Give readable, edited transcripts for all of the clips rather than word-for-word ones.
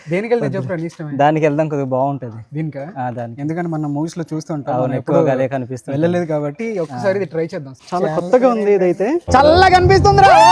దేనికి వెళ్తే చెప్పు నీ ఇష్టమే. దానికి వెళ్దాం కొద్దిగా బాగుంటది. దీనికా? దానికి ఎందుకంటే మనం మూవీస్ లో చూస్తుంటాం, అవును, ఎక్కువగా అదే కనిపిస్తుంది. వెళ్ళలేదు కాబట్టి ఒక్కసారి ఇది ట్రై చేద్దాం. చాలా కొత్తగా ఉంది, ఇదైతే చల్లగా కనిపిస్తుంది రా.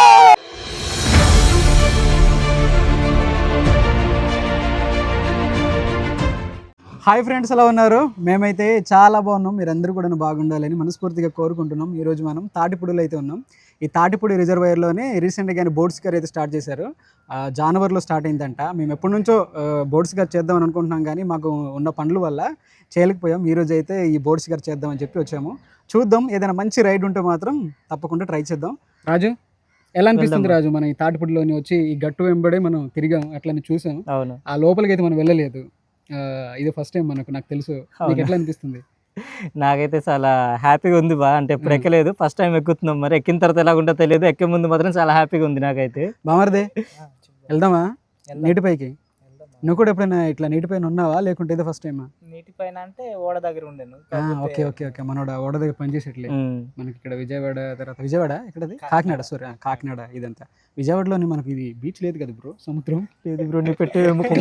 హాయ్ ఫ్రెండ్స్, ఎలా ఉన్నారు? మేమైతే చాలా బాగున్నాం. మీరందరూ కూడా బాగుండాలని మనస్ఫూర్తిగా కోరుకుంటున్నాం. ఈరోజు మనం తాటిపూడిలో అయితే ఉన్నాం. ఈ తాటిపూడి రిజర్వాయర్లోనే రీసెంట్గానే బోట్స్ గారు అయితే స్టార్ట్ చేశారు. జనవరిలో స్టార్ట్ అయిందంట. మేము ఎప్పటి నుంచో బోట్స్ గారు చేద్దామని అనుకుంటున్నాం, కానీ మాకు ఉన్న పనుల వల్ల చేయలేకపోయాం. ఈరోజు అయితే ఈ బోట్స్ గారు చేద్దామని చెప్పి వచ్చాము. చూద్దాం, ఏదైనా మంచి రైడ్ ఉంటే మాత్రం తప్పకుండా ట్రై చేద్దాం. రాజు, ఎలా అనిపిస్తుంది రాజు? మనం ఈ తాటిపూడిలోని వచ్చి ఈ గట్టు వెంబడే మనం తిరిగాం, అట్లని చూసాం. అవును, ఆ లోపలికి అయితే మనం వెళ్ళలేదు. ఇది ఫస్ట్ టైం నాకు తెలుసు. మీకు ఎట్లా అనిపిస్తుంది? నాకైతే చాలా హ్యాపీగా ఉంది బా. అంటే ఎప్పుడు ఎక్కలేదు, ఫస్ట్ టైం ఎక్కుతున్నాం. మరి ఎక్కిన తర్వాత ఎలాగుంటో తెలియదు, ఎక్కే ముందు మాత్రం చాలా హ్యాపీగా ఉంది నాకైతే. బామర్దే, వెళ్దామా నీటిపైకి? నువ్వు కూడా ఎప్పుడైనా ఇట్లా నీటిపైన ఉన్నావా, లేకుంటే ఇదే ఫస్ట్ టైమా? నీటిపైన అంటే ఓడ దగ్గర ఉండేను. ఓకే ఓకే ఓకే, మనోడ ఓడ దగ్గర పనిచేసేట్లే. మనకి ఇక్కడ విజయవాడ, తర్వాత విజయవాడ ఎక్కడది, కాకినాడ. సారీ, కాకినాడ. ఇదంతా విజయవాడలోని మనకి ఇది బీచ్ లేదు కదా బ్రో, సముద్రం లేదు బ్రో. నీ పెట్టే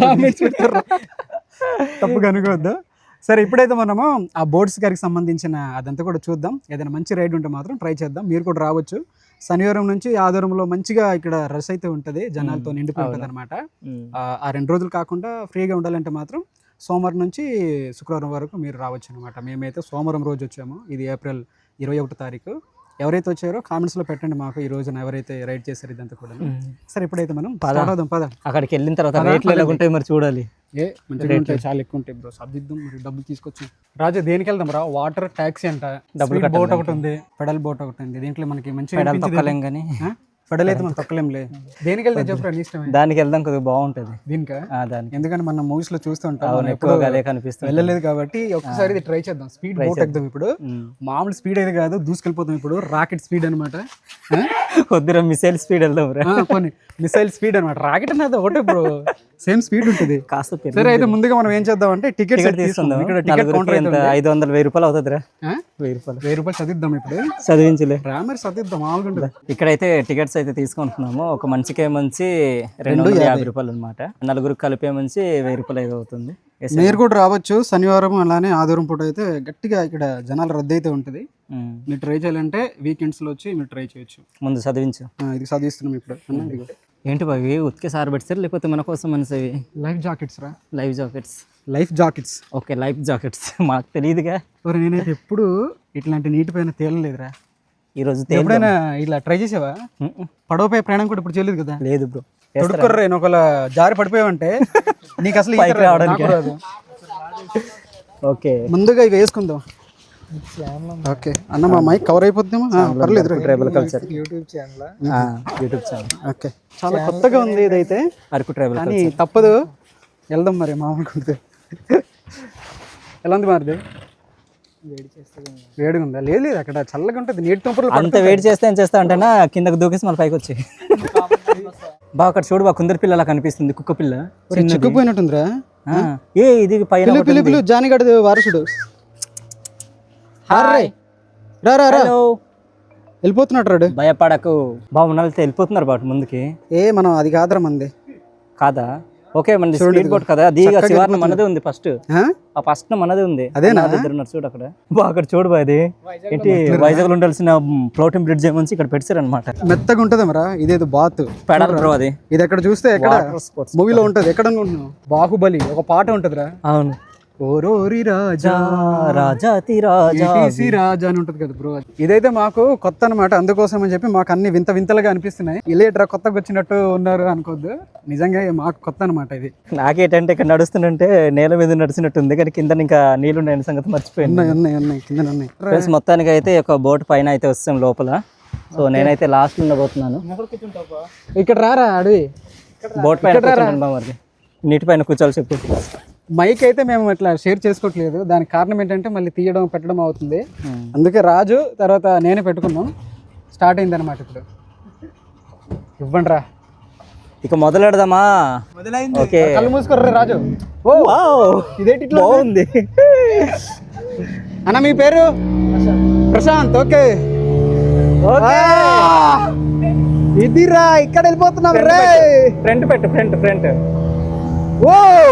తప్పుగా అనుకోవద్దు. సరే, ఇప్పుడైతే మనము ఆ బోట్స్ గారికి సంబంధించిన అదంతా కూడా చూద్దాం. ఏదైనా మంచి రైడ్ ఉంటే మాత్రం ట్రై చేద్దాం. మీరు కూడా రావచ్చు. శనివారం నుంచి ఆదివారంలో మంచిగా ఇక్కడ రష్ అయితే ఉంటుంది, జనాలతో నిండిపోయి ఉంటుంది అనమాట. ఆ 2 రోజులు కాకుండా ఫ్రీగా ఉండాలంటే మాత్రం సోమవారం నుంచి శుక్రవారం వరకు మీరు రావచ్చు అనమాట. మేమైతే సోమవారం రోజు వచ్చాము. ఇది ఏప్రిల్ 21 తారీఖు. ఎవరైతే వచ్చారో కామెంట్స్లో పెట్టండి మాకు, ఈ రోజున ఎవరైతే రైడ్ చేశారు ఇదంతా కూడా. సరే, ఇప్పుడైతే మనం పద. అక్కడికి వెళ్ళిన తర్వాత రేట్లు ఎలా ఉంటాయి మరి చూడాలి. మంచిగా ఉంటాయి, చాలా ఎక్కువ ఉంటాయి బ్రో. సర్దిద్దాం, మరి డబ్బులు తీసుకొచ్చాం. రాజు, దేనికి వెళ్దాం రా? వాటర్ ట్యాక్సీ అంట, డబ్బులు బోట్ ఒకటి ఉంది, పెడల్ బోట్ ఒకటి ఉంది. దీంట్లో మనకి మంచి పెడల్ తొక్కలేం కానీ, పెడల్ అయితే మనం తొక్కలేంలే. దేనికి వెళ్తే చెప్పు నీ ఇష్టమే. దానికి వెళ్దాం కొద్దిగా బాగుంటది. దీనికా? దానికి ఎందుకంటే మనం మూవీస్ లో చూస్తుంటాం, అవును, ఎక్కువగా అదే కనిపిస్తుంది. వెళ్ళలేదు కాబట్టి ఒక్కసారి ఇది ట్రై చేద్దాం. స్పీడ్ బోట్ ఎక్కుదాం. ఇప్పుడు మామూలు స్పీడ్ అయితే కాదు, దూసుకెళ్ళిపోతాం. ఇప్పుడు రాకెట్ స్పీడ్ అనమాట. కొద్దిగా మిసైల్ స్పీడ్ వెళ్దాం రా. కొన్ని మిసైల్ స్పీడ్ అనమాట. రాకెట్ అనేది ఒకటే బ్రో, సేమ్ స్పీడ్ ఉంటుంది కాస్త. సరే, అయితే ముందుగా మనం ఏం చేద్దాం అంటే టికెట్ తీసుకుందాం. ఇక్కడ టికెట్ కౌంటర్ ఎంత? 500 1000 రూపాయలు అవుతుంది రా. 1000 రూపాయలు చదిద్దాం. ఇప్పుడు చదివించలే రా, మరి చదిద్దాం. మామూలుగా ఉంటుంది. ఇక్కడైతే టికెట్స్ అయితే తీసుకుంటున్నాము. ఒక మంచికే మంచి 250 రూపాయలు అనమాట. నలుగురికి కలిపే మంచి 1000 రూపాయలు అయితే అవుతుంది. మీరు కూడా రావచ్చు. శనివారం అలానే ఆదివారం పూట అయితే గట్టిగా ఇక్కడ జనాలు రద్దు అయితే ఉంటుంది. మీరు ట్రై చేయాలంటే వీకెండ్స్ లో వచ్చి మీరు ట్రై చేయొచ్చు. ముందు చదివించు. ఇది చదివిస్తున్నాం ఇప్పుడు. ఏంటి బావి, ఉతికే సార్ పెడతారు లేకపోతే మన కోసం మనసేవి? లైఫ్ జాకెట్స్ రా. Life jackets. Life jackets, okay, life jackets. మాకు తెలియదుగా. నేనైతే ఎప్పుడు ఇట్లాంటి నీటి పైన తేలలేదురా. ఈరోజు ఎప్పుడైనా ఇలా ట్రై చేసావా? పడవపై ప్రయాణం కూడా ఇప్పుడు చేయలేదు కదా. లేదు బ్రో. తొడుక్కుర్రే, ఒకవేళ జారి పడిపోయావంటే నీకు అసలు రాదు. ఓకే, ముందుగా ఇక వేసుకుందాం. ఓకే అన్న, మా మైక్ కవర్ అయిపోతుందేమో. పర్లేదు. Tribal culture YouTube channel. Okay, చాలా కొత్తగా ఉంది ఇదైతే. అరకు ట్రైబల్ కానీ తప్పదు, వెళ్దాం మరి. మామూలుగా ఎలా ఉంది మారిది? వేడిగా ఉందా? లేదు, అక్కడ చల్లగా ఉంటుంది. నీటి తుంపర్లు అంత వేడి చేస్తే ఏం చేస్తా అంటేనా, కిందకు దూకేసి మన పైకి వచ్చి బాగా అక్కడ చూడు, బాగా కుందరి పిల్ల అలా కనిపిస్తుంది. కుక్క పిల్ల చిక్కుపోయినట్టుందిరా. ఇది పైన పిలుపులు జానిగడ వారసుడు. వెళ్ళిపోతున్నాడు రాడు. భయపడకు బాగున్నా వెళ్ళిపోతున్నారు బాటు ముందుకి. మనం అది కాదురా మంది. కాదా? ఓకే, మన స్పీడ్ బోట్ కదా అది. శివార్ణ మనదే ఉంది ఫస్ట్. ఆ ఫస్ట్ మనదే ఉంది. అదే ఇద్దరున్నారు చూడు అక్కడ. అక్కడ చూడు బా, అది ఏంటి వైజాగ్ లో ఉండాల్సిన ఫ్లోటింగ్ బ్రిడ్జ్ ఏమొచ్చి ఇక్కడ పెట్టారు అనమాట. మెత్తగా ఉంటది మరా. ఇదేదో బాత్ పెడల్ బ్రో. అది ఇది ఎక్కడ చూస్తే ఎక్కడ మూవీలో ఉంటది. ఎక్కడ అనుకుంటున్నావు? బాహుబలి ఒక పాట ఉంటదిరా. అవును, ఓరోరి రాజా రాజాతి రాజా రాజా అని ఉంటది కదా బ్రో. ఇదైతే మాకు కొత్త అనమాట. అందుకోసం అని చెప్పి మాకు అన్ని వింత వింతలుగా అనిపిస్తున్నాయి. ఇలేట్రా కొత్తగా వచ్చినట్టు ఉన్నారు అనుకోద్దు, నిజంగా మాకు కొత్త అనమాట ఇది. నాకేంటంటే ఇక్కడ నడుస్తుంటే నేల మీద నడిచినట్టుంది, కానీ కింద ఇంకా నీళ్ళు ఉన్నాయని సంగతి మర్చిపోయింది. ఉన్నాయి కింద ఉన్నాయి. ఫ్రెండ్స్, మొత్తానికి అయితే ఒక బోట్ పైన అయితే వస్తాం లోపల. సో నేనైతే లాస్ట్ ఉండబోతున్నాను. ఇక్కడ రారా అడవి. బోట్ పైన మరి నీటి పైన కూర్చోాలి. చెప్పు. మైక్ అయితే మేము ఇట్లా షేర్ చేసుకోవట్లేదు. దానికి కారణం ఏంటంటే మళ్ళీ తీయడం పెట్టడం అవుతుంది. అందుకే రాజు తర్వాత నేనే పెట్టుకున్నాం. స్టార్ట్ అయింది అనమాట. ఇప్పుడు ఇవ్వండి రా, ఇక మొదలెడదామా? ఓకే, కళ్ళు మూసుకోర్రే రాజు. ఇదేంటి బాగుంది అన్న? మీ పేరు? ప్రశాంత్. ఓకే, ఇదిరా ఇక్కడ వెళ్ళిపోతున్నాం రే. ఫ్రంట్ పెట్టు, ఫ్రంట్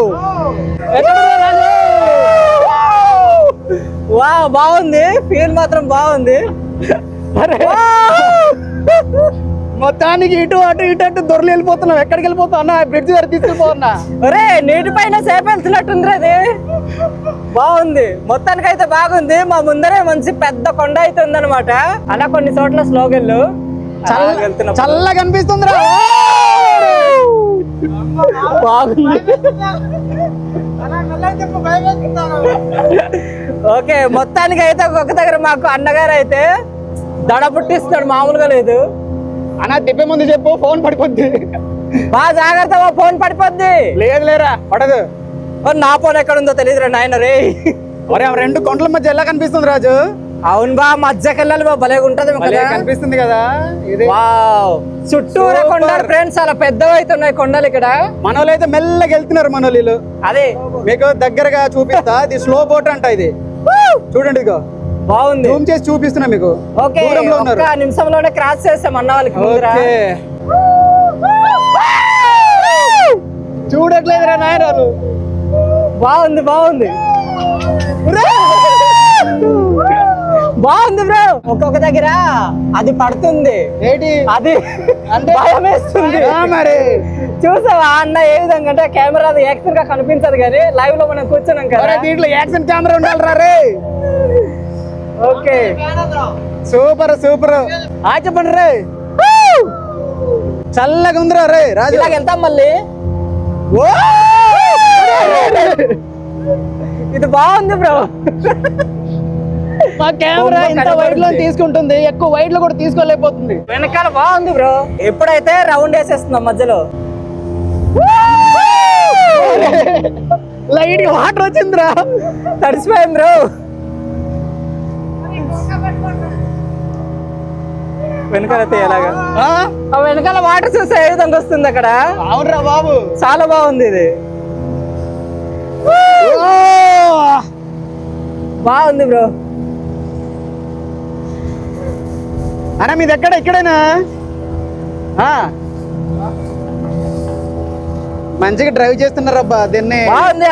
వా బాగుంది, ఫీల్ మాత్రం బాగుంది. మొత్తానికి ఇటు అటు దొరలు వెళ్ళిపోతున్నావు. ఎక్కడికి వెళ్ళిపోతావు అన్న? బ్రిడ్జ్ దగ్గర తీసుకెళ్ళిపోతున్నా. ఒరే నీటి పైన సేపు వెళ్తున్నట్టుంది అది. బాగుంది, మొత్తానికి అయితే బాగుంది. మా ముందరే మంచి పెద్ద కొండ అయితే ఉందన్నమాట. అలా కొన్ని చోట్ల స్లోగన్లు చల్లగా కనిపిస్తుంది రా. బాగుంది. ఓకే, మొత్తానికి అయితే ఒక్కొక్క దగ్గర మాకు అన్నగారు అయితే దడ పుట్టిస్తున్నాడు, మామూలుగా లేదు. అన్న తిప్పే ముందు చెప్పు, ఫోన్ పడిపోద్ది. బాగా జాగ్రత్త, ఫోన్ పడిపోద్ది. లేదు లేరా, పడదు. నా ఫోన్ ఎక్కడ ఉందో తెలియదురా నాయన రే. ఒరే రెండు కొండల మధ్య ఎలా కనిపిస్తుంది రాజు? అవును బా, మధ్యకి వెళ్ళాలి బా, భలే ఉంటది కనిపిస్తుంది కదా. చుట్టూరా కొండలు ఫ్రెండ్స్, చాలా పెద్దవి అయితే ఉన్నాయి కొండలు ఇక్కడ. మనోళ్ళు అయితే మెల్లగా వెళ్తున్నారు. మనోళ్ళు అదే మీకు దగ్గరగా చూపిస్తా. ఇది స్లో బోట్ అంట. ఇది చూడండి, ఇదిగో బాగుంది, జూమ్ చేసి చూపిస్తున్నా మీకు. ఓకే, ఒక్క నిమిషంలోనే క్రాస్ చేస్తాం అన్న వాళ్ళకి. చూడట్లేదురా నాయనాలు. బాగుంది బాగుంది బాగుంది బ్రో. ఒక్కొక్క దగ్గర అది పడుతుంది, ఏంటి అది అంటే భయం వేస్తుంది. మరి చూసావా అన్న ఏ విధంగా అంటే కెమెరా అది యాక్షన్ గా కనిపించదు కానీ లైవ్ లో మనం కూర్చున్నాం కదా. దీంట్లో యాక్షన్ కెమెరా ఉండాలి రే. Okay, super super. చెప్పండి రే. చల్లగా ఉందిరా రే రాజు. ఇలాగ వెళ్తాం మళ్ళీ. ఇది బాగుంది బ్రో. మా కెమెరా ఎంత వైడ్ లో తీసుకుంటుంది, ఎక్కువ వైడ్ లో కూడా తీసుకోలేకపోతుంది. వెనకాల బాగుంది బ్రో. ఎప్పుడైతే రౌండ్ వేసేస్తున్నాం మధ్యలో, లైట్ వాటర్ వచ్చిందిరా, తడిసిపోయాం బ్రో. వెనకాలైతే ఎలాగా వెనకాల వాటర్ చూస్తే ఏ విధంగా వస్తుంది అక్కడ. అవునరా బాబు, చాలా బాగుంది ఇది. బాగుంది బ్రో. అన్న మీది ఎక్కడ? ఇక్కడేనా? మంచిగా డ్రైవ్ చేస్తున్నారబ్బా దీన్ని. బాగుంది,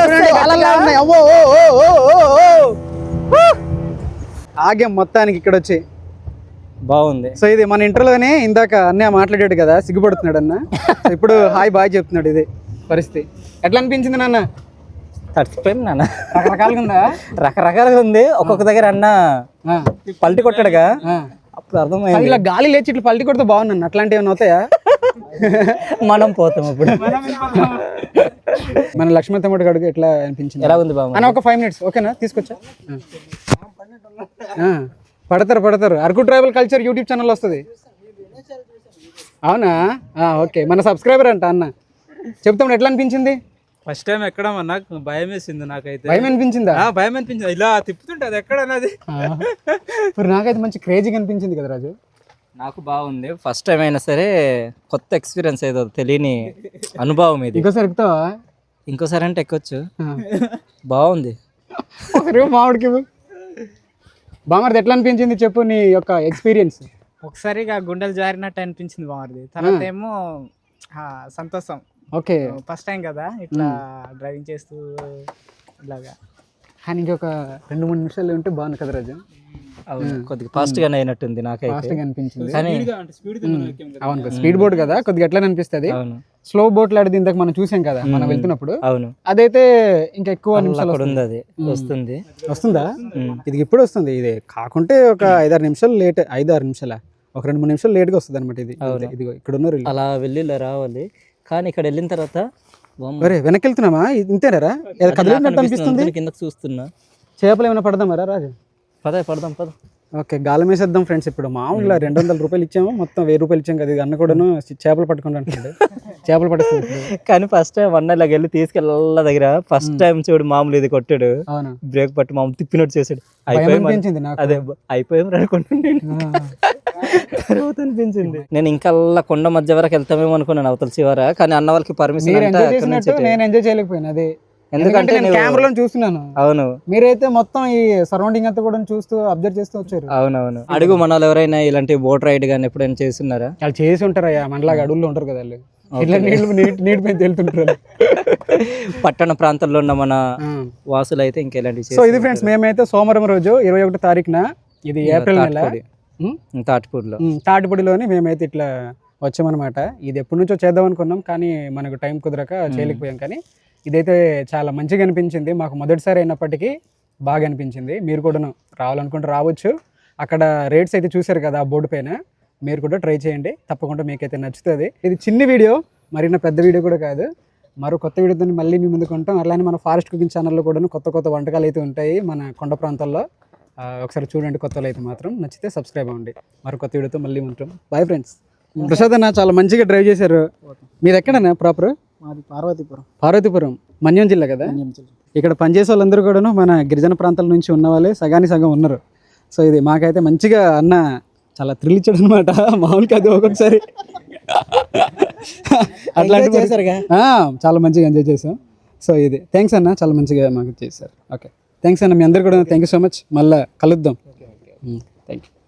ఆగాం మొత్తానికి ఇక్కడ వచ్చి. బాగుంది. సో ఇది మన ఇంటర్లోనే ఇందాక అన్నయ్య మాట్లాడాడు కదా, సిగ్గుపడుతున్నాడు అన్న. ఇప్పుడు హాయ్ బాయ్ చెప్తున్నాడు. ఇది పరిస్థితి ఎట్లా అనిపించింది నాన్న? తడిచిపోయింది నాన్న. రకరకాలుగా ఉందా? రకరకాలుగా ఉంది. ఒక్కొక్క దగ్గర అన్న పల్టి కొట్టాడుగా, అప్పుడు అర్థమైంది. ఇలా గాలి లేచి ఇట్లా పల్టి కొడితే బాగున్నాను. అట్లాంటివి ఏమైనా అవుతాయా? మనం పోతాం అప్పుడు. మన లక్ష్మణ్ తమ్ముడు గడుగు ఎట్లా అనిపించింది? ఎలా ఉంది బాబు? అన్న ఒక 5 minutes ఓకేనా? తీసుకొచ్చా. పడతారు. Araku tribal culture YouTube channel వస్తుంది. అవునా? ఓకే, మన సబ్స్క్రైబర్ అంట అన్న. చెప్తాం ఎట్లా అనిపించింది? ఫస్ట్ టైం ఎక్కడం నాకు భయం వేసింది. నాకైతే భయం అనిపించిందా? భయం అనిపించింది. ఇలా తిప్పుతుంటే అది ఎక్కడన్నది. మరి నాకైతే మంచి క్రేజీగా అనిపించింది కదా రాజు. నాకు బాగుంది. ఫస్ట్ టైం అయినా సరే కొత్త ఎక్స్పీరియన్స్ ఏదో తెలియని అనుభవం ఇది. ఇంకోసారి ఎక్కుతావా? ఇంకోసారి అంటే ఎక్కొచ్చు. బాగుంది. మామిడికి బామర్ది ఎట్లా అనిపించింది చెప్పు నీ యొక్క ఎక్స్పీరియన్స్. ఒకసారిగా గుండెలు జారినట్టు అనిపించింది బామర్ది. తర్వాత ఏమో సంతోషం. ఓకే, ఫస్ట్ టైం కదా ఇట్లా డ్రైవింగ్ చేస్తూ ఇలాగా. కానీ ఇంకొక 2-3 నిమిషాలు ఉంటే బాగుంది కదా రాజు. కొద్దిగా ఫాస్ట్ గానే అయినట్టుంది నాకైతే. ఫాస్ట్ గా అనిపించింది. అవును, స్పీడ్ బోట్ కదా, కొద్దిగా ఎట్లా అనిపిస్తుంది. స్లో బోట్ లాంటిది ఇందాక మనం చూసాం కదా మనం వెళ్తున్నప్పుడు. అవును, అదైతే ఇంకా ఎక్కువ నిమిషాలు వస్తుందా? ఇది ఇప్పుడు వస్తుంది. ఇది కాకుంటే ఒక 5-6 నిమిషాలు లేట్. 5-6 నిమిషాల ఒక 2-3 నిమిషాలు లేట్ గా వస్తుంది అనమాట. ఇది ఇదిగో ఇక్కడ ఉన్నారు. అలా వెళ్ళి రావాలి. కానీ ఇక్కడ వెళ్ళిన తర్వాత వెనక్కి వెళ్తున్నామా? ఇంతేనారా? కదిలినట్టు అనిపిస్తుంది. కిందకి చూస్తున్నా. చేపలు ఏమైనా పడదామరా రాజు? పడదాం. ఓకే, గాలం వేసేద్దాం ఫ్రెండ్స్. ఇప్పుడు మామూలుగా 200 రూపాయలు ఇచ్చాము, మొత్తం 1000 రూపాయలు ఇచ్చాం కదా. ఇది అన్న కూడాను చేపలు పట్టుకుంటా అంటాడు. చేపలు పట్టేస్తుంది. కానీ ఫస్ట్ టైం అన్న ఇలాగ వెళ్ళి తీసుకెళ్ళ దగ్గర ఫస్ట్ టైం చూడు మామూలు ఇది కొట్టాడు. అవును, బ్రేక్ పట్టి మామూలు తిప్పినట్టు చేసాడు. అనిపించింది నాకు. అదే అయిపోయాం అనుకుంటున్నాను. తర్వాత అనిపించింది. నేను ఇంకా కొండ మధ్య వరకు వెళ్తామేమో అనుకున్నాను, అవతల చివర. కానీ అన్న వాళ్ళకి పర్మిషన్ నేను ఎంజాయ్ చేయలేకపోయాను. అదే ఎందుకంటే నేను కెమెరాలో చూస్తున్నాను. అవును, మీరైతే మొత్తం ఈ సరౌండింగ్ అంతా కూడా చూస్తూ అబ్జర్వ్ చేస్తూ వచ్చారు. అవునవును. అడుగు మన వాళ్ళు ఎవరైనా ఇలాంటి బోట్ రైడ్ గానీ ఎప్పుడైనా చేస్తున్నారా? వాళ్ళు చేసి ఉంటారయ్యా, మనలాగా అడవుల్లో ఉంటారు కదా వాళ్ళు. ఇట్లా నీటి మీద వెళ్తుంటారు. పట్టణ ప్రాంతాల్లో ఉన్న మన వాసులు అయితే ఇంకెలాంటి. సో ఇది ఫ్రెండ్స్, మేమైతే సోమవారం రోజు 21 తారీఖున, ఇది ఏప్రిల్ నెల, తాటిపూడిలోని మేమైతే ఇట్లా వచ్చామన్నమాట. ఇది ఎప్పటి నుంచో చేద్దాం అనుకున్నాం, కానీ మనకు టైం కుదరక చేయలేకపోయాం. కానీ ఇదైతే చాలా మంచిగా అనిపించింది మాకు. మొదటిసారి అయినప్పటికీ బాగా అనిపించింది. మీరు కూడా రావాలనుకుంటే రావచ్చు. అక్కడ రేట్స్ అయితే చూశారు కదా ఆ బోర్డు పైన, మీరు కూడా ట్రై చేయండి, తప్పకుండా మీకైతే నచ్చుతుంది. ఇది చిన్న వీడియో, మరిన్న పెద్ద వీడియో కూడా కాదు. మరో కొత్త వీడియోతో మళ్ళీ మీ ముందుకు ఉంటాం. అలానే మన ఫారెస్ట్ కుకింగ్ ఛానల్లో కూడా కొత్త కొత్త వంటకాలు అయితే ఉంటాయి మన కొండ ప్రాంతాల్లో. ఒకసారి చూడండి, కొత్తలు అయితే మాత్రం. నచ్చితే సబ్స్క్రైబ్ అవ్వండి. మరో కొత్త వీడియోతో మళ్ళీ ఉంటాం. Bye friends. ప్రసాద్ అన్న చాలా మంచిగా డ్రైవ్ చేశారు. మీరు ఎక్కడన్నా ప్రాపర్? మాది పార్వతీపురం. పార్వతీపురం మన్యం జిల్లా కదా. ఇక్కడ పనిచేసే వాళ్ళందరూ కూడా మన గిరిజన ప్రాంతాల నుంచి ఉన్న వాళ్ళే సగానికి సగం ఉన్నారు. సో ఇది మాకైతే మంచిగా అన్న చాలా థ్రిల్ ఇచ్చాడు అనమాట. మామూలు కాదు, ఒక్కొక్కసారి అట్లాంటి చాలా మంచిగా ఎంజాయ్ చేసాం. సో ఇది థ్యాంక్స్ అన్న, చాలా మంచిగా మాకు చేశారు. ఓకే, థ్యాంక్స్ అన్న. మీ అందరు కూడా థ్యాంక్ యూ సో మచ్. మళ్ళీ కలుద్దాం. Thank you.